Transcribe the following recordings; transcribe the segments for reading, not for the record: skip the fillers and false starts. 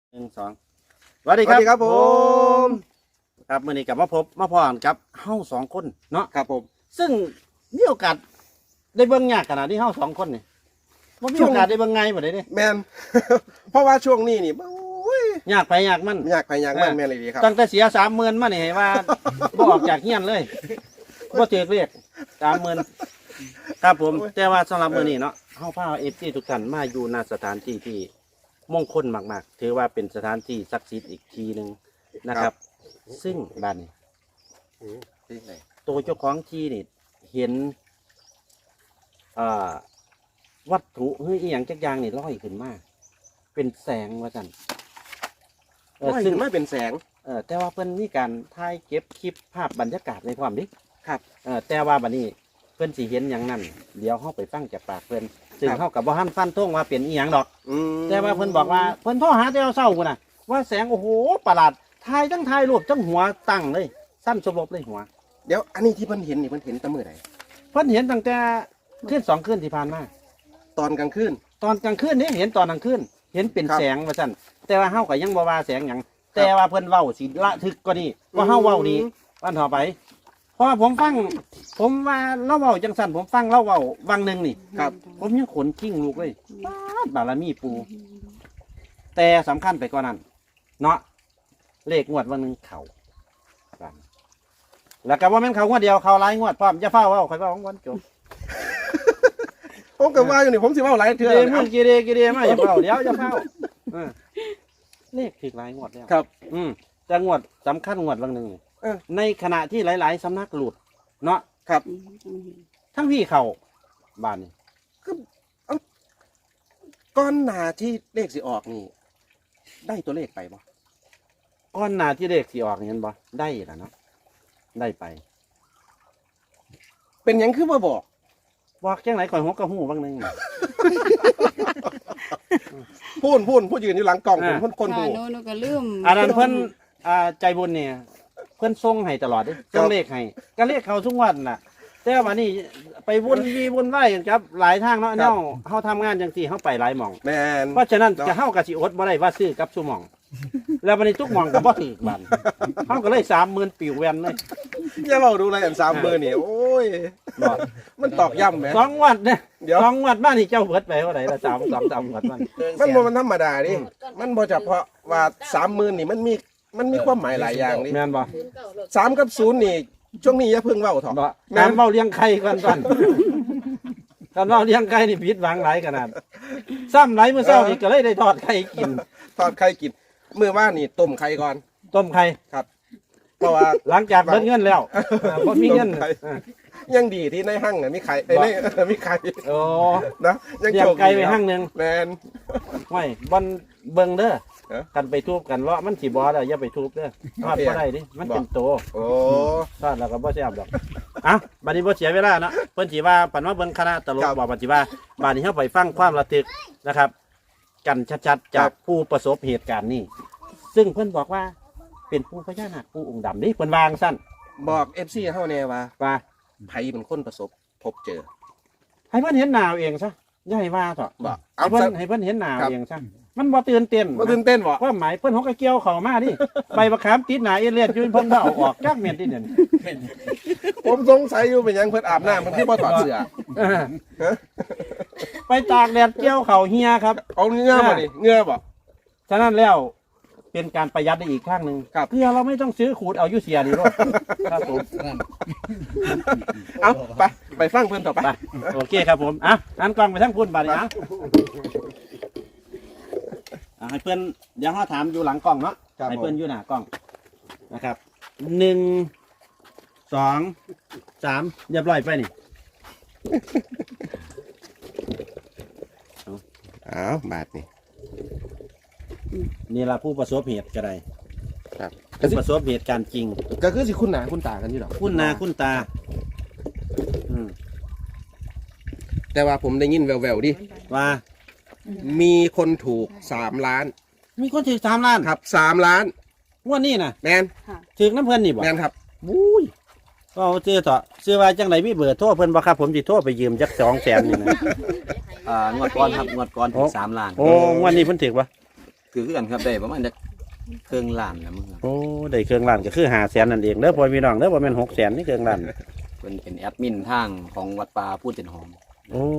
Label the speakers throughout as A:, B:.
A: 1 2สวัสดีครับผมครับมื่อนี้กลับมาพบมาพร้อมกับเฮา2 คนเนาะ
B: ครับผม
A: ซึ่งมีโอกาสได้เบิ่งยากขนาดที่เฮา2 คนนี่บ่มีโอกาสได้เบิ่งไงบ่ได้เด้
B: แมน เพราะว่าช่วงนี้นี่โอ้ย
A: ยากไปยากมัน
B: อยากไปอยากมันแมนเลยดีครับ
A: ตั้งแต่เสีย 30,000 มานี่ให้ว่า บ่ออกจากเฮียนเลยบ่ถือเรียก 30,000 ครับผมแต่ว่าสำหรับมื้อนี้เนาะเฮาพา FC ทุกท่านมาอยู่ณสถานที่ที่มงคลมากๆถือว่าเป็นสถานที่ศักดิ์สิทธิ์อีกทีหนึงนะครับ ซึ่งบ้านนี้
B: ที่ไหน
A: ตัวเจ้าของที่นี่เห็นวัตถุเฮ้ยอหย่างจักอย่างนี่ลอยขึ้นมาเป็นแสงว่าจัน
B: ซึ่งไม่เป็นแสง
A: แต่ว่าเพิ่นมีการถ่ายเก็บคลิปภาพบรรยากาศในความดิ
B: ครับ
A: แต่ว่าบัดนี้เพิ่นสิเห็นอย่างนั้นเดี๋ยวเฮาไปฟังจากปากเพิ่นซึ่งเฮากับบ่ทันฟันธงว่าเป็นอีหยังดอก แต่ว่าเพิ่นบอกว่าเพิ่นโทรหาแต่เช้าพุ่นน่ะว่าแสงโอ้โหประหลาดถ่ายทั้งถ่ายรูปทั้งหัวตั้งเลยสั้นสลบเลยหัว
B: เดี๋ยวอันนี้ที่เพิ่นเห็นนี่เพิ่นเห็นแตั้งมือไหน
A: เพิ่นเห็นตั้งแต่คืน2 คืนที่ผ่านมา
B: ตอนกลางคืน
A: ตอนกลางคืนนี่เห็นตอนกลางคืนเห็นเป็น
B: ครับ
A: แสงว่าซั่นแต่ว่าเฮาก็ยังบ่ว่าแสงหยังแต่ว่าเพิ่นเว้าสิละทึกกว่านี้ว่าเฮาเว้าดีวันต่อไปเพราะว่าผมฟังผมว่าเราเว้าจังซั่นผมฟังเราเว้าวังหนึงนี่
B: ครับ
A: ผมยังขนกิ้งลูกเลยบารมีปูแต่สำคัญไปกว่านั้นเนาะเลขงวดวันหนึงเขากันแล้วก็ว่าแม่นเขางวดเดียวเขาหลายงวดพร้อมจะเฝ้าเว้าค่อยเว้าของวันจบ
B: ผมก็ว่าอยู่นี่ผมสิว่าหลายเทื่อ
A: เด
B: เลย
A: มึงกีเดมาอย่าเฝ้าเดี๋ยวจะเฝ้าเออเลขถึงหลายงวดแล้ว
B: ครับ
A: จะงวดสำคัญงวดบางหนึ่ง ในขณะที่หลายๆสำนักหลุด เนาะ
B: ครับ
A: ทั้งพี่เขาบ้านนี่
B: ก้อนหนาที่เลขสิออกนี่ ได้ตัวเลขไปบ่
A: ก้อนหนาที่เลขสีออกเห็นบ่ได้แล้วเนาะได้ไป
B: เป็นหยังคือมาบอก
A: บอกจังไหนข่อยหัวกระหูบางหนึ่ง
B: พูดยืนอยู่หลังกล่องผมคน
C: ค่ะ
B: ดู
C: หนูก็ลืม
A: อันนั้นเพิ่นใจบุญเนี่ยเพิ่นส่งให้ตลอดเด้ส่งเลขให้ก็เลขเขาทุกวันน่ะ แต่ว่านี่ไปวุ่นวายกันครับ หลายทางเนาะเนาะเฮาทำงานจังซี่เฮาไปหลายหม่อง
B: แมน
A: เพราะฉะนั้นจะเฮากับสิอดบ่ได้ว่าซื้อกับซุหม่อง แล้ววันนี้ทุกหม่องก็บ่ถือบันเฮาก็เลย30,000ปิวแวนเลย
B: อย่าเราดูอะไรอัน30,000นี่โอ้ย
A: บ่
B: มันตอกย้ำไหม
A: 2 วัดเนี่ย
B: เดี๋ยว
A: 2 วัดบ้านนี่เจ้าเบิดไปเท่าไหร่ละ3 วัดมัน
B: มันบ่มันธรรมดาดิมันบ่เฉพาะว่า30,000นี่มันมีความหมายหลายอย่างนี่
A: แม่นบ่
B: 3กับ0นี่ช่วงนี้อย่าเพิ่งเว้าเถอะ
A: บ่การเว้าเลี้ยงไข่ก่อนการเว้าเลี้ยงไข่นี่ผิดหวังหลายขนาดซ้ำหลายมื้อเช้านี่ก็เลยได้ทอดไข่กิน
B: ทอดไข่กินมื้อว่านนี่ต้มไข่ก่อน
A: ต้มไข่
B: ครับ เพราะว่า
A: หลังจากเบิดเงินแล้วบ่มีเงิน
B: ต้มไข่ ยังดีที่ในห้างน่ะมีไข่มีไข่
A: โอ้
B: นะยัง
A: เลี้ย
B: โช
A: ง
B: ค
A: ไก่
B: ดี
A: ไป
B: ครับ
A: ห้างหนึง
B: แมน
A: ไม่บอนเบิ่งเด้อ
B: เอ๊ะ
A: กันไปทุบกันเลาะมันสิบ่แล้วอย่าไปทุบเด้อทอดบ่ได้ดิมันเป็นโต
B: โอ้
A: ทอดแล้วก็บ่แซ่บดอกอ่ะบัดนี้บ่เสียเวลาเนาะเพิ่นสิว่าปันว่าเบิ่งคณะตลกบอกบัดสิว่าบัดนี้เฮาไปฟังความระทึกนะครับ กันชัดๆจากผู้ประสบเหตุการณ์นี้ซึ่งเพิ่นบอกว่าเป็นผู้พญานาคผู้องค์ดำนี่เพิ่นวางสั้น
B: บอก FC เฮาแน่ว่า
A: ว่า
B: ไผเป็นคนประสบพบเจอ
A: ให้เพิ่นเห็นหน้าเอาเองซะอย่าให้ว่าเถอะ
B: บอก
A: ให้เพิ่นให้เพิ่นเห็นหน้าเอาเองซะมันบ่ตื่นเต้น
B: บ่ตื่นเต้นบ่
A: ความหมายเพิ่นหกกระเกี่ยวเข้ามาดิใบมะขามติดหนาเอเลียดอยู่เพิ่นบ่เอาออกจักเม็ดที่เนี่ย
B: ผมสงสัยอยู่เป็นหยังเพิ่นอาบน้ำมันคือบ่ถอดเสื้อ
A: เออไปตากแดดเกี่ยวเข่าเฮียครับ
B: เอาเงื่อบ่นี่เงื่อบ่
A: ฉะนั้นแล้วเป็นการประหยัดได้อีกข้างหนึ่ง
B: ครับ
A: เพื่อเราไม่ต้องซื้อขูดเอาอยุเสียนี่รถครับผม
B: เอาไปฟังเพิ่นต่อไป
A: ไปโอเคครับผมอ่ะอันกล้องไปทั้งพุ่นบาดนี้ให้เพื่อนเดี๋ยวเขาถามอยู่หลังกล้องเนาะ
B: ครับ
A: ให้
B: ผม
A: เพื่อนอยู่หน้ากล้องนะครับ1 2 3เรียบร้อยไปนี่
B: เอาบาทนี่
A: นี่ละผู้ประสบเหตุก็ได้
B: ครับ
A: ผู้ประสบเหตุการณ์จริง
B: ก็คือสิคุณหน้าคุณตากันอยู่ดอก
A: คุณนาคุณตา
B: แต่ว่าผมได้ยินแววๆดิ
A: ว่า
B: มีคนถูก3ล้าน
A: มีคนถือ3 ล้าน
B: ครับ3ล้าน
A: งวันนี้นะ
B: แมน
A: ถือน้ำเพื่อนนี่บ่
B: แมนครับ
A: บุ้ยก็เอาเจอเถอะซื้อว่าจังไรมีเบอร์โทรเพิ่นบ่ครับผมสิโทรไปยืมจัก200,000นี่นะ
D: งวดก้อนครับงวดก้อนถึง3 ล้าน
A: โอ้งวันนี้เพิ่นถือปะ
C: ถือกันครับได้ประมาณจะเครื่องล้านนะมึงครับ
A: โอ้ได้เครื่องล้านก็คือ500,000นั่นเองเด้อพ่อพี่น้องเด้อบ่แม่น600,000นี่เครื่องล้าน
C: เป็นแอดมินทางของวัดป่าพูดเจนหอม
A: โอ้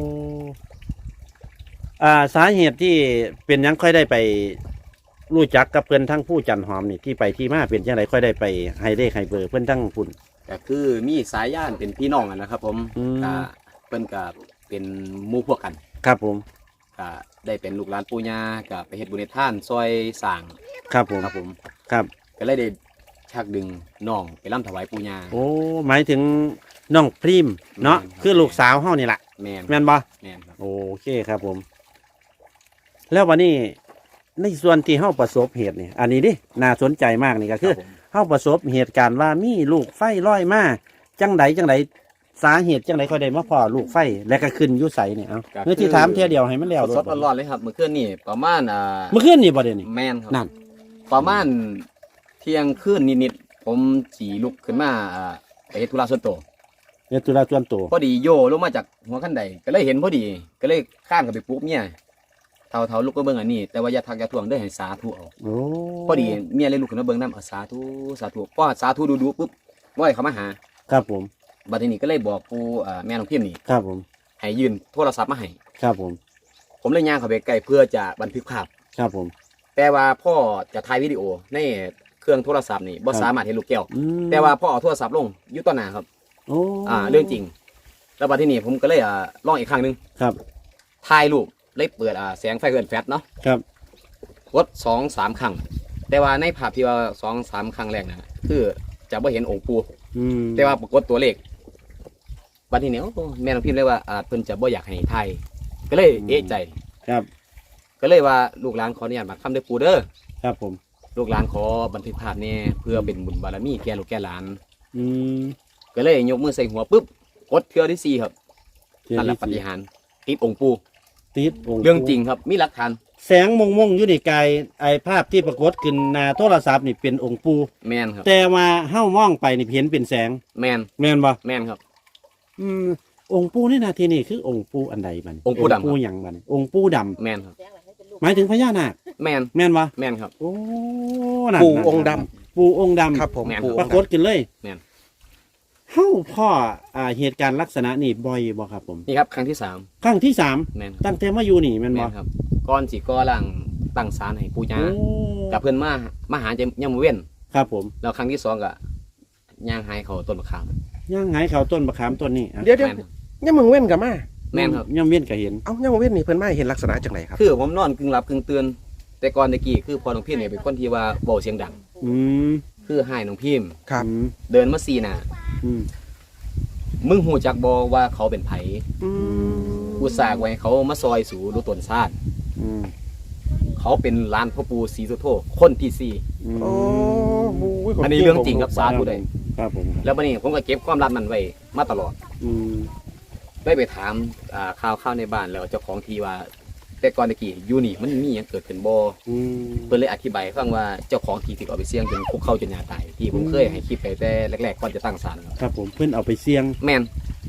A: สาเหตุที่เป็นหยังค่อยได้ไปรู้จักกับเพื่อนทั้งผู้จันหอมนี่ที่ไปที่มาเป็นจังไดค่อยได้ไปให้เลขให้เบอร์เพื่อนทั้งปุ่น
C: ก็คือมีสายย่านเป็นพี่น้องกันนะครับผม
A: อืม
C: ก็เพิ่นก็เป็นหมู่พวกกัน
A: ครับผม
C: ก็ได้เป็นลูกหลานปู่ย่าก็ไปเฮ็ดบุญเฮ็ดทานซอยสร้าง
A: ครับผม
C: ครับผม
A: ครับ
C: ก็เลยได้ชักดึงน้องไปร่ำถวายปู่ย่า
A: โอ้หมายถึงน้องพริมเนาะ
C: แม่นครับ
A: คือลูกสาวเฮานี่แหละ
C: แม่น
A: แม่นบ่
C: แม่นครับ
A: โอเคครับผม แล้ววันนี้ในส่วนที่เฮาประสบเหตุนี่อันนี้ดิน่าสนใจมากนี่ก็คือ
C: ครับผม
A: เฮาประสบเหตุการณ์ว่ามีลูกไฟลอยมาจังใดสาเหตุจังใดค่อยได้มาพอลูกไฟและก็ขึ้นอยู่ไสนี่เอาเมื่อที่ถามเที่ยเดียวให้มันแล้ว
C: สดๆร้อนๆเลยครับเมื่อคืนนี่ประมาณ
A: เมื่อคืนนี่บ่เดี๋ยวนี้
C: แม่นครับ
A: นั่น
C: ประมาณเที่ยงคืนนิดๆผมสีลุกขึ้นมาไปเฮ็ดธุระส่วนตัว
A: เนี่ยตุลาส่วนตัว
C: พอดีโยลงมาจากหัวขั้นใดก็เลยเห็นพอดีก็เลยข้ามกับไปปลุ๊บเมียเท่าลุกก็เบิ่งอันนี้แต่ว่าอย่าทักอย่าทวงเด้อให้สาธุเอา
A: โอ้
C: พอดีเมียเลยลุกขึ้นมาเบิ่งน้ำสาธุสาธุพอสาธุดูปุ๊บว่าให้เขามาหา
A: ครับผม
C: บัดทีนี้ก็เลยบอกปู่แม่น้องพิมพ์นี่
A: ครับผม
C: ให้ยืนโทรศัพท์มาให้
A: ครับผม
C: ผมเลยย่างเข้าไปใกล้เพื่อจะบันทึกภาพ
A: ครับผม
C: แต่ว่าพ่อจะถ่ายวิดีโอในเครื่องโทรศัพท์นี่บ่สามารถเห็นลูกแก้ว
A: อืม
C: แต่ว่าพ่อเอาโทรศัพท์ลงอยู่ต่อหน้าครับ
A: โอ้
C: เรื่องจริง แล้วบัดทีนี้ผมก็เลยลองอีกครั้งหนึง
A: ครับ
C: ถ่ายรูปเลยเปิดแสงไฟเกินแฟลชเนาะ
A: ครับ
C: กด2-3 ครั้ง แต่ว่าในภาพที่ว่า2-3 ครั้งแรกนะคือจะไม่เห็นองค์ปู่
A: อืม
C: แต่ว่าปรากฏตัวเลขบัดทีนี้โอ้แม่น้องพิมพ์เลยว่าเพิ่นจะบ่อยากให้ถ่ายก็เลยเอะใจ
A: ครับ
C: ก็เลยว่าลูกหลานขออนุญาตมาคำเด้อปู่เด้อ
A: ครับผม
C: ลูกหลานขอบันทึกภาพเนี่ยเพื่อเป็นบุญบารมีแก่ลูกแก่หลาน
A: อืม
C: ก็เลยยกมือใส่หัวปุ๊บกดเทือที่4ครับ
A: เทีย
C: นั่นแหละ
A: ที่
C: ปฏิ
A: สี่
C: หารย์ติดองค์ปู่
A: ติดองค์
C: เรื่องจริงครับมีหลักฐาน
A: แสงมงอยู่ในกายไอภาพที่ปรากฏขึ้นหน้าโทรศัพท์นี่เป็นองค์ปู
C: แมนครับ
A: แต่ว่าเฮ้ามองไปนี่เห็นเป็นแสง
C: แมน
A: แม่นบ่
C: แมนครับ
A: อืมองค์ปูนี่นาทีนี่คือองค์ปูอันใดบัดนี้
C: องค์ปู่ดำครับ
A: ปูหยังบัดนี้องค์ปูดำ
C: แมนครับ
A: หมายถึงพญานาค
C: แมน
A: แม่นบ่
C: แมนครับ
A: โอ้นั่น
B: ปู่
A: นั่น
B: องค์ด
A: ปูองค์ดำ
B: ครับผม
C: แม่น
B: ปู่
A: ปรากฏขึ้นเลย
C: แม่น
A: เฮ้าพ่อเหตุการณ์ลักษณะนี่บ่อยบ่ครับผม
C: นี่ครับครั้งที่
A: ครั้งที่3
C: 3แมนครับ
A: ตั้งแต่มาอยู่นี่แม่น
C: แม
A: บ่
C: นครับก้อนสีก้อล่างตั้งศาลให้ปู่ย่า
A: โอ้
C: กับเพื่อนมาหาจะยังมาเว้น
A: ครับผม
C: แล้วครั้งที่2ก็ย่างหายเขาต้นมะขาม
A: ย่างไงเขาต้นมะขามต้นนี้อ่ะ
B: เดี๋ยว
C: แมนครับ
B: ยังมึงเว้นกับมา
C: แมนครับ
A: ย่ำเวียนก็เห็น
B: เอ้ายังมึงเว้นนี่เพิ่นมาให้เห็นลักษณะจังไหนครับ
C: คือผมนอนกึ่งหลับกึ่งตื่นแต่ก่อนตะกี้คือพอน้องพิมพ์เนี่ยเป็นคนที่ว่าเบาเสียงดัง
A: อืม
C: คือให้น้องพิมพ์
B: ครับ
A: อืม
C: เดินมาซีหน่ะ
A: อืม
C: มึงหูจักบอว่าเขาเป็นไผ
B: อืม
C: กูสากไว้เขามาซอยสูดูตนซาด
A: อืม
C: เขาเป็นร้านพ่อปู่ศรีสุโธคนที่สี่
A: อืม
B: โอ้โห
C: อันนี้เรื่องจริงครับสาธุได้
A: ครับผม
C: แล้ววันนี้ผมก็เก็บความลับมันไว้มาตลอด
A: อืม
C: ได้ไปถามข่าวในบ้านแล้วเจ้าของทีว่า แต่ก่อนตะกี้อยู่นี่มันมีหยังเกิดขึ้นบ่
A: อืม
C: เพิ่นเลยอธิบายให้ฟังว่าเจ้าของทีถูกเอาไปเสี่ยงจนคุกเข้าจนยาตายที่ผมเคยให้คลิปไปแต่แรกๆก่อนจะตั้งศาลครับ
A: ครับผมเพื่อนเอาไปเสี่ยง
C: แม่น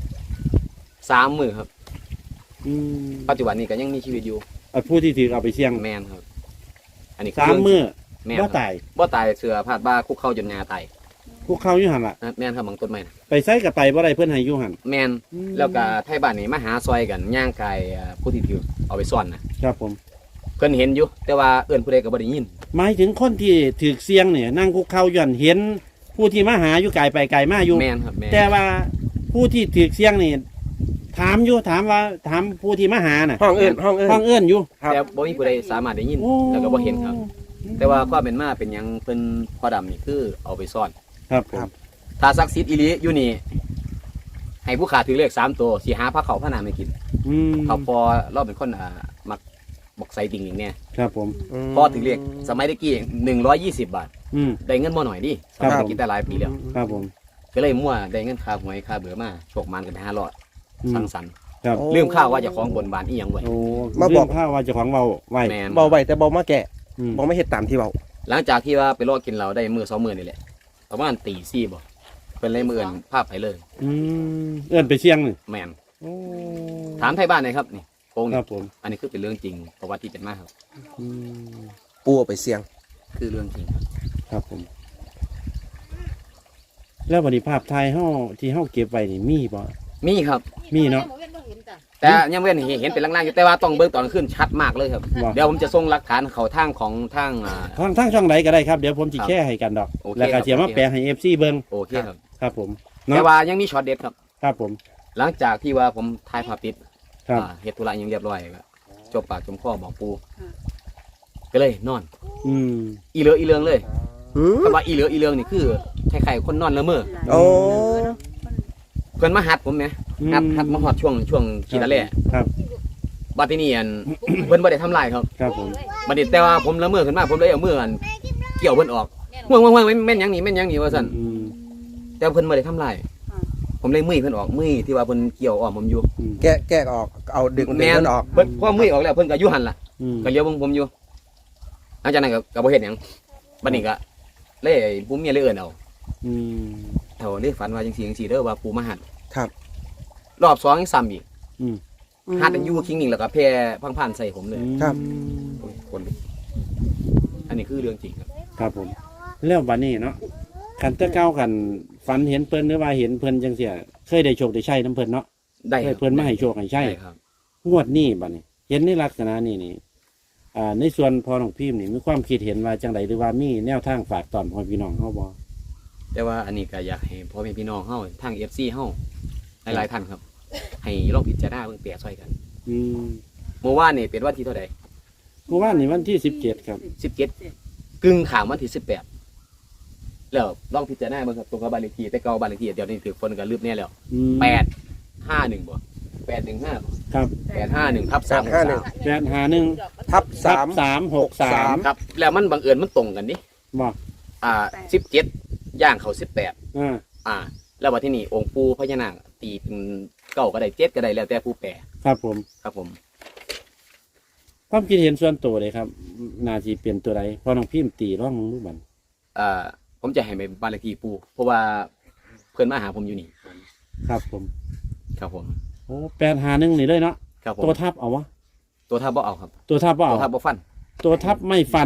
C: 3 มื้อครับ
A: อืม
C: ปัจจุบันนี้ก็ยังมีชีวิตอยู่
A: เอาผู้ที่ถือเอาไปเสี่ยง
C: แม่นครับ อันนี้คื
A: 3 มื้อ
C: แม่น
A: บ่
C: ครับ
A: ตาย
C: บ่ตายเสือพาดบ้าคุกเข้าจนยาตาย
A: พวกเขาอยู่หันล่ะ
C: แม่นครับบางต้นไม้นะ
A: ไปใส่กับไปบ่ได้เพื่อนให้อยู่หัน
C: แม่น
A: อืม
C: แล้วก็ไทยบ้านนี่มาหาซอยกันย่างกายผู้ที่ถือเอาไปซ่อนนะครับ
A: ผม
C: เพิ่นเห็นอยู่ แต่ว่าเอื้อนผู้ใดก็บ่ได้ยิน
A: หมายถึงคนที่ถือเสี่ยงเนี่ยนั่งคุกเข่าอยู่หันเห็น ผู้ที่มาหาอยู่ไกลไปไกลมาอยู่
C: แม่นครับแม่น
A: แต่ว่าผู้ที่ถือเสี่ยงนี่ถามอยู่ถามผู้ที่มาหาน่ะ
B: ห้องเอิ้นห้องเอิ้น
A: ฟังเอื้อนอยู่
B: ครับ
C: แต่บ่มีผู้ใดสามารถได้ยิน
A: โอ้
C: แล้วก็บ่เห็นครับ แต่ว่าความเป็นมาเป็นหยังเพิ่นพ่อดำนี่คือเอาไปซ่อน
A: ครับผม
C: ถ้าศักดิ์สิทธิ์อีหลีอยู่นี่ให้ผู้ขาถือเลข3ตัวสิหาพระเขาพระนามให้กิน
A: อืม
C: เขาพอเราเป็นคนมักบอกใส่ติ่งอย่างเนี้ย
A: ครับผม
C: พอถือเลขสมัยตะกี้120 บาท
A: อืม
C: ได้เงินบ่หน่อยดิสมัยตะกี้แต่หลายปีแล้ว
A: ครับผม
C: ก็เลยมั่วได้เงินค่าหวยค่าเบื่อมาโชคมันกันไป500
A: อืม
C: สังสรรค์
A: ครับ
B: โอ้
C: ลืมข้าวว่าจะของบนบานอีหยังไว้
A: โอ้
B: มาบอก
A: เรื่องข้าวว่าเจ้าของเบาไว้
C: แมน
B: เบาไว้แต่เบามาแกะ
A: อืม
B: เบาไม่เฮ็ดตามที่เบา
C: หลังจากที่ว่าไปรอกินเราได้มือ2 มื้อนี่แหละประมาณตี4บ่เป็นเลยมื้ออื่นภาพไปเลย
A: อืมเอื้อนไปเสี่ยงนี่
C: แมน
A: โอ้
C: ถามไทยบ้านหน่อยครับนี่โกง
A: ค
C: นี่
A: รับผม
C: อันนี้คือเป็นเรื่องจริงประวัติที่เป็นมาครับ
A: อืม
B: ปูเอาไปเสี่ยง
C: คือเรื่องจริงครับ
A: ครับผม แล้ววันนี้ภาพถ่ายเฮาที่เฮาเก็บไว้นี่มีบ่
C: มีครับ
A: มีเนาะ
C: แต่ยังเว้นเห็นเป็นล่างๆอยู่แต่ว่าต้องเบิ่งตอนขึ้นชัดมากเลยครับ
A: ว่า
C: เดี๋ยวผมจะส่งหลักฐานเขาทางของทาง
A: ทางช่องใดก็ได้ครับเดี๋ยวผมสิ
C: ครับ
A: แชร์ให้กันดอก
C: โอเค
A: แล้วก็
C: ครับ
A: สิมาแปลให้ FC เบิ่ง
C: โอเคครับ
A: ครับผม
C: แต่
A: เนาะ
C: ว่ายังมีช็อตเด็ดครับ
A: ครับผม
C: หลังจากที่ว่าผมถ่ายภาพติด
A: ครับ
C: เฮ็ดธุระยังเรียบร้อยก็จบปากจมคอบอกปูก็เลยนอน
A: อืม
C: อีเหลืออีเรืองเลยแต่ว่าอีเหลืออีเรืองนี่คือคล้ายๆคนนอนละเมอ
B: โอ้
C: เพิ่นมาหัดผมไหมหัดมาฮอดช่วงกีฬาแร่
A: ครับ
C: บัดทีนี้เพิ่นบ่ได้ทำลายครับ
A: ครับผม
C: บัดนี้แต่ว่าผมละเมอขึ้นมาผมเลยเอามือเกี่ยวเพิ่นออกห่วงแม่นหยังนี่แม่นหยังนี่ว่าซั่น
A: อืม
C: แต่เพิ่นบ่ได้ทำลายผมเลยมือเพิ่นออกมือที่ว่าเพิ่นเกี่ยวอ้อมผมอยู่
A: อืม
B: แกะออกเอาดึง
C: แม่น
B: มันออก
C: เพิ่นพอมือออกแล้วเพิ่นก็อยู่หั่นล่ะ
A: อืม
C: ก็เลี้ยวผมอยู่หลังจากนั้นก็บ่เฮ็ดหยังบัดนี้ก็เลยผู้เมียเลยเอิ้นเอา
A: อืม
C: เท่าเลยฝันว่าจังซี่เด้อว่าปู่มาหัด
B: ครับ
C: รอบ2ยังซ้ำอีก
A: อืม
C: หัดอันอยู่คิงนิ่งแล้วก็แพร่พังๆใส่ผมเลย
B: ครับ
C: โอ้ยคนลุกอันนี้คือเรื่องจริงครับ
A: ครับผมแล้ววันนี้เนาะคันแตะเก้ากันฝันเห็นเพิ่นหรือว่าเห็นเพิ่นจังเสียเคยได้โชคได้ใช้น้ำเพิ่นเนาะ
C: ได้
A: เค
C: ค
A: ย
C: รับ
A: เพิ่นมาให้โชคให้ใช้
C: ได้ครับ
A: งวดนี้บัดนี้ เห็นในลักษณะนี้นี่ในส่วนพอน้องพิมพ์นี่มีความคิดเห็นว่าจังไดหรือว่ามีแนวทางฝากตอนพ่อพี่น้องเฮาบ่
C: แต่ว่าอันนี้ก็อยากให้พ่อแม่พี่น้องเฮาทาง FC เฮาหลายๆท่านครับ ให้ลองพิจารณาเบิ่งเปรียบช่วยกัน
A: อืม
C: เมื่อวานนี่เป็นวันที่เท่าใด
A: เมื่อวานนี่วันที่17ครับ
C: 17กึ่งข้ามวันที่18แล้วลองพิจารณาเบิ่งครับตรงกับบ้านเลขที่แต่เก่าบ้านเลขที่เดี๋ยวนี้ถือคนก็ลืมแน่แล้ว
A: อืม
C: 851บ่815
A: ครับ
C: 851/363
A: 851
B: ทับ
A: ทับ
B: 3
A: 363
C: ครับแล้วมันบังเอิญมันตรงกันดิ
A: บ่
C: 17ย่างเขา18
A: อ่า
C: แล้วว่าที่นี่องค์ปู่พญานาคตีเป็นเก้าก็ได้7ก็ได้แล้วแต่ผู้แปล
A: ครับผม
C: ครับผม
A: ความคิดเห็นส่วนตัวเลยครับน่าสิเป็นตัวใดพอน้องพิมพ์ตีร่องรูปบัน
C: ผมจะให้ไปบ้านเลขที่ปู่เพราะว่าเพื่อนมาหาผมอยู่นี่
A: ครับผม
C: ครับผม
A: โอ้851นี่เลยเนาะ
C: ครับผม
A: ตัวทับเอาวะ
C: ตัวทับบ่เอาครับ
A: ตัวทับบ่
C: ตัว
A: เอา
C: ทับบ่ฟัน
A: ตัวทับไม่ฟัน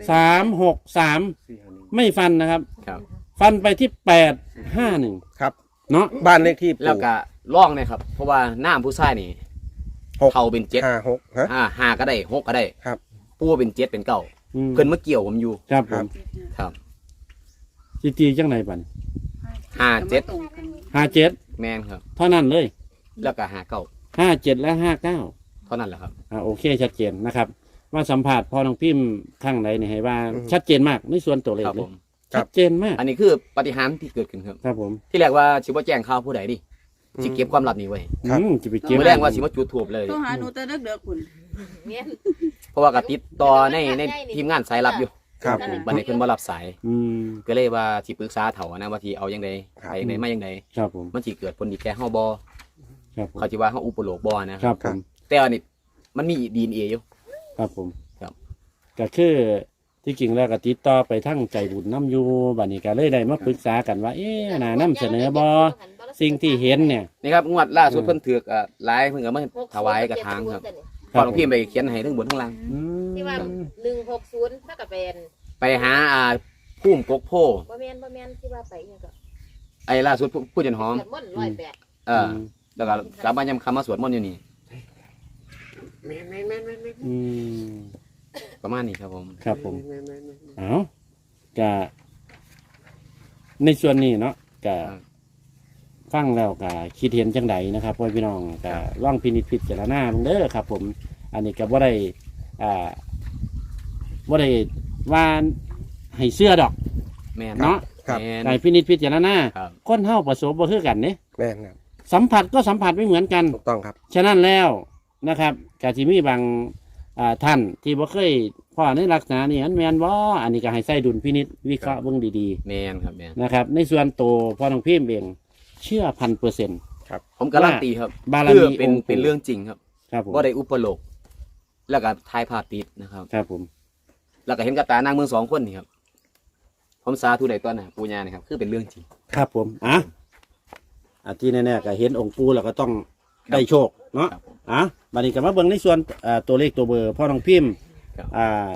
A: 363ไม่ฟันนะครับ
C: ครับ
A: ฟันไปที่851
B: ครับ
A: เนาะ
B: บ้านเลขที่
C: แล้วก็ล่องนะครับ เพราะว่าหน้าผู้ชายนี่
B: 6
C: เขาเป็น7
B: 5 6ฮะ
C: ห้าก็ได้6ก็ได้
B: ครับ
C: ปู่เป็น7เป็น9
A: อืม
C: เพิ่นมาเกี่ยวผมอยู่
A: ครับผ
B: ครั
A: ม
B: บ
C: ครับ
A: สิตีจังไหนบัด
C: 57
A: 57
C: แม่นครับ
A: เท่านั้นเลย
C: แล้วก็59
A: 57และ59
C: เท่านั้นแหละครับ
A: โอเคชัดเจนนะครับว่าสัมผัสพอน้องพิมพ์ข้างไหนนี่ให้ว่าชัดเจนมากในส่วนตัวเลข
C: ครับ
A: เล
C: ผ
A: ย
C: ม
A: ชัดเจนมาก
C: อันนี้คือปาฏิหารย์ที่เกิดขึ้นครับ
A: ครับผม
C: ที่แรกว่าสิบ่แจ้งข่าวผู้ใดดิสิเก็บความลับนี้ไว้
B: ครับ
A: จะไปเก็บ
C: มื้อแรกว่าสิมาจุดทูบเลย
D: ต้องหาหนูแต่เด็กๆคุณ
C: เพราะว่าก็ติดต่อในทีมงานสายลับอยู่
B: ครับ
C: บัดนี้เพิ่นบ่รับสาย
A: อืม
C: ก็เลยว่าสิปรึกษาเถานะว่าสิเอาจังได
B: ครับ
C: ไปจังไดมาจังได
A: ครับผม
C: มันสิเกิดผลดีแก่เฮาบ่
A: ครับผม
C: เขาสิว่าเฮาอุปโลกบ่นะครับ
A: ผม
C: แต่อันนี้มันมี DNA อยู่
A: ครับผม
C: ครับ
A: ก็คือที่จริงแล้วก็ติดต่อไปทั้งใจบุญน้ำอยู่บัดนี้ก็เลยได้มาปรึกษากันว่า น่านำเสนอบอสิ่งที่เห็นเนี่ย
C: นี่ครับงวดล่าสุดเพิ่นถือกหลายเพิ่นก็มาถวายกระถางครับพอหลวงพี่ไปเขียนให้ทั้งบนทั้งล่าง
A: อืม
E: ที่ว่า160ถ้ากับเป็น
C: ไปหาพุ่มกกโพ
E: บ่แม่นที่ว่าไปเนี่ยก็
C: ไอ้ล่าสุดผู้จันหอม
E: เกิดม่อน108
C: แล้วก็กลับมายามคำมาสวดมนต์อยู่นี่
A: อืม
C: ประมาณนี้ครับผม
A: ครับผมเอาก็ในส่วนนี้เนาะก็ฟังแล้วก็คิดเห็นจังใดนะครับพ่อพี่น้องก็ล่องพินิจพิจารณาเบิ่งเด้อครับ ผม อันนี้ก็บ่ได้บ่ได้ว่าให้เสื้อดอก
C: แม่น
A: เนาะ
B: ครับ
C: แม่น
A: ในพินิจพิจารณา
C: ครับ
A: คนเฮาประสบบ่คือกันเนี่ย
B: แม่นครับ
A: สัมผัสก็สัมผัสไม่เหมือนกัน
B: ถูกต้องครับ
A: ฉะนั้นแล้วนะครับกาจิมีบางท่านที่บ่เคยพ่อในลักษณะนี้อันแมนบ่อันนี้ก็ให้ใส่ดุลพินิจวิเคราะห์เบิ่งดี
C: แม่นครับแม่น
A: ๆนะครับ ในส่วนโตวพ่อน้องพิมพ์เองเชื่อ1,000%
C: ผมการันตีครับ
A: บาร
C: คือ
A: มี
C: เป็น
A: องค์ปู่
C: เป็นเรื่องจริงครับ
A: ครับผม
C: ว่าได้อุปโลกแล้วก็ทายภาพติดนะครับ
A: ครับผม
C: แล้วก็เห็นกับตานางเมือง2คนนี่ครับผมสาธุได้ตอนน่ะปูญานะครับคือเป็นเรื่องจริง
A: ครับผมที่แน่ๆก็เห็นองค์ปู่แล้วก็ต้องได้โชคเนาะ
C: ครับผม
A: บัดนี้ก็มาเบิ่งในส่วนตัวเลขตัวเบอร์พ่อน้องพิมพ์
C: ครับ
A: ท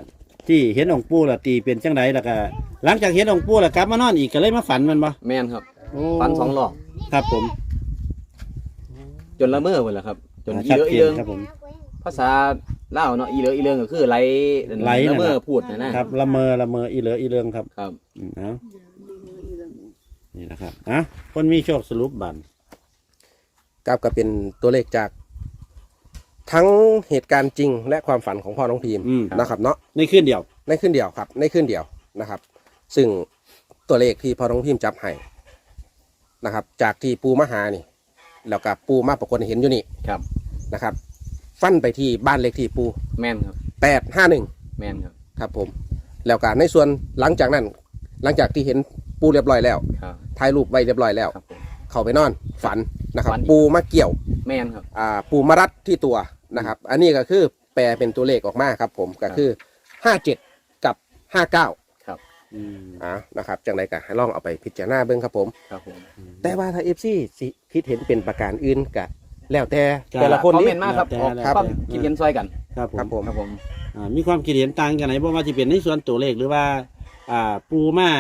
A: ที่เห็นองค์ปู่แล้วตีเป็นจังไดแล้วก็หลังจากเห็นองค์ปู่แล้วกลับมานอนอีกก็เลยมาฝันมันบ่
C: แม่นครับ
A: โอ้
C: ฝัน2รอบ
A: ครับผม
C: จนละเมอหมดแล้วครับ จนอี
A: ชัด
C: เหลือ
A: เจ
C: อี
A: น
C: เรื่อง
A: ครับผม
C: ภาษาลาวเนาะอีเหลืออีเรื่องก็คือไหล
A: ไหลนั่น
C: ละเมอ
A: แหละ
C: พูดนะครับ
A: ละเมออีเหลืออีเรื่องครับ
C: ครับ
A: เอานี่นะครับคนมีโชคสรุปบัน
B: ครับก็เป็นตัวเลขจากทั้งเหตุการณ์จริงและความฝันของพ่อน้องพิมพ์นะครับเนาะ
A: ในคืนเดียว
B: ในขึ้นเดียวครับในขึ้นเดียวนะครับ ซึ่งตัวเลขที่พ่อน้องพิมพ์จับให้นะครับ จากที่ปูมาหานี่แล้วกับปูมาปรากฏให้เห็นอยู่นี่
C: ครับ
B: นะครับ ฟันไปที่บ้านเลขที่ปู
C: แม่นครับ
B: 851
C: แม่นครับ
B: ครับผมแล้วก็ในส่วนหลังจากนั้น หลังจากที่เห็นปูเรียบร้อยแล้ว
C: ครับ
B: ถ่ายรูปไว้เรียบร้อยแล้ว
C: ครับผม
B: เข้าไปนอนฝันนะครับ
C: ฝันอีก
B: ปูมาเกี่ยว
C: แม่นครับ
B: ปูมารัดที่ตัวนะครับ อันนี้ก็คือแปลเป็นตัวเลขออกมาครับผมก็คือ57กับ59
C: ครับ
B: นะครับจังไรก็ให้ลองเอาไปพิจารณาเบิ่งครับผม
C: ครับผม
B: แต่ว่าถ้า FC สิคิดเห็นเป็นประการอื่นก็แล้วแต่
A: ครับ
B: แต่ละคน
C: คอม
B: นี้
C: เมนต์มาครับ
A: แล้ว
C: ออก
A: แต่
C: ความ
A: แล้วแต่
C: คิดเห็นซอยกัน
A: ครับผม
B: ครับผม
C: ครับผม
A: มีความคิดเห็นต่างกันไหนเพราะว่าจะเป็นในส่วนตัวเลขหรือว่า ปูมา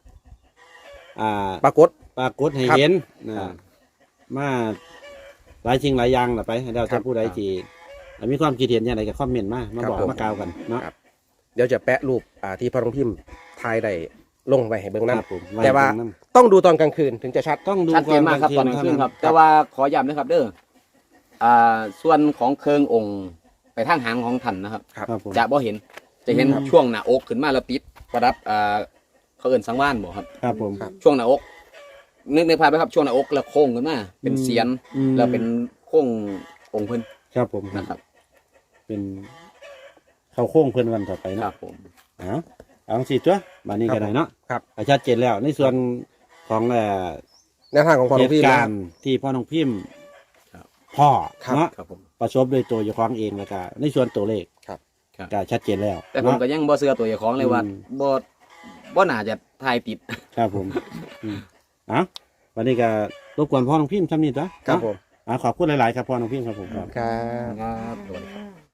B: ปรากฏ
A: ปรากฏให้
B: ครับ
A: เห็น
C: ครับ
A: มาหลายสิ่งหลายอย่างล่ะไปให้เรา
B: ครั
A: จะ
B: บ
A: ผู้ใดที่มีความคิดเห็นอย่างไรก็คอมเมนต์มา
B: ครับ
A: บอก
B: ผม
A: มากล่าวกันเนาะ
B: ครับ เดี๋ยวจะแปะรูปที่พ่อน้องพิมพ์ถ่ายได้ลงไว้ให้เบิ่ง
A: ค
B: นํ
A: รับผม
B: แต่ว่า
A: ไตรงนั้น
B: ต้องดูตอนกลางคืนถึงจะชัด
A: ต้องดู
C: ชัดเจนมากครับตอนกลางคืนครับ แต่ว่าขอย้ำนะครับเด้อส่วนของเคิงองค์ไปทางหางของท่านนะครับ
A: ครับผม
C: จะบ่เห็น จะเห็น
A: ครับ
C: ช่วงหน้าอกขึ้นมาแล้วติดประดับเขาเอิ้นสังวานบ่ครับ
A: ครับผม
B: ครับ
C: ช่วงหน้าอกนึกในภาพไหมครับช่วงหน้าอกแล้วโค้งขึ้นมาเป็นเสียน
A: อืม
C: แล้วเป็นโค้งองค์เพิ่น
A: ครับผม
C: นะครับ
A: เป็นเข้าโค้งเพื่อนวันต่อไป
C: ครั
A: เนาะ
C: บผม
A: เอาสิตัวบานนี้ก็ได้เนาะ
B: ครับ
A: ชัดเจนแล้วในส่วนของ
B: แนวทางของพ่อ
A: เห
B: น้อง
A: ตุ
B: พิมพ์
A: กา
B: นะ
A: รณ์ที่พ่อน้องพิมพ์
C: ครับ
A: พ่อ
B: ครับ
A: เนาะ
C: ครับผม
A: ประสบโดยตัวเจ้าของเองแล้วก็ในส่วนตัวเลข
B: ครับ
C: ครับ
A: ก็ชัดเจนแล้ว
C: แต่ผม
A: เนาะ
C: ก็ยังบ่เชื่อตัวเจ้าของเลยว่า
A: อืม
C: บ่น่าจะทายติด
A: ครับผมวันนี้ก็รบกวนพ่อน้องพิมพ์ทำนี่ตัว
B: ครับผม
A: ขอบคุณหลายๆครับพ่อน้องพิมพ์ครับผมครับ
B: ครับ
C: ครับสวัสดีครับ